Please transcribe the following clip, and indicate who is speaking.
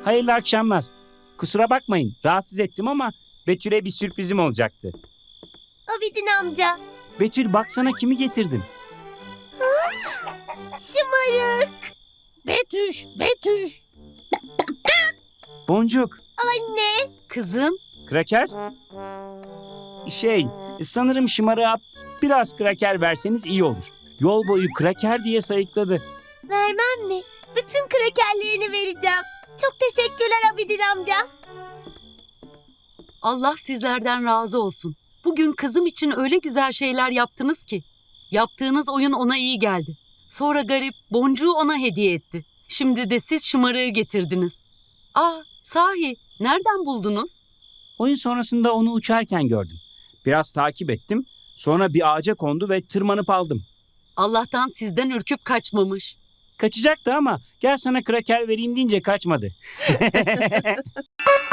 Speaker 1: Hayırlı akşamlar. Kusura bakmayın, rahatsız ettim ama Betül'e bir sürprizim olacaktı.
Speaker 2: Abidin amca.
Speaker 1: Betül, baksana kimi getirdim.
Speaker 2: Şımarık.
Speaker 3: Betüş.
Speaker 1: Boncuk,
Speaker 2: Anne.
Speaker 3: Kızım,
Speaker 1: kraker. Sanırım şımarığa biraz kraker verseniz iyi olur. Yol boyu kraker diye sayıkladı.
Speaker 2: Vermem mi? Bütün krakerlerini vereceğim. Çok teşekkürler Abidin amca.
Speaker 3: Allah sizlerden razı olsun. Bugün kızım için öyle güzel şeyler yaptınız ki. Yaptığınız oyun ona iyi geldi. Sonra garip boncuğu ona hediye etti. Şimdi de siz şımarığı getirdiniz. Sahi, nereden buldunuz?
Speaker 1: Oyun sonrasında onu uçarken gördüm. Biraz takip ettim. Sonra bir ağaca kondu ve tırmanıp aldım.
Speaker 3: Allah'tan sizden ürküp kaçmamış.
Speaker 1: Kaçacaktı ama gel sana kraker vereyim deyince kaçmadı.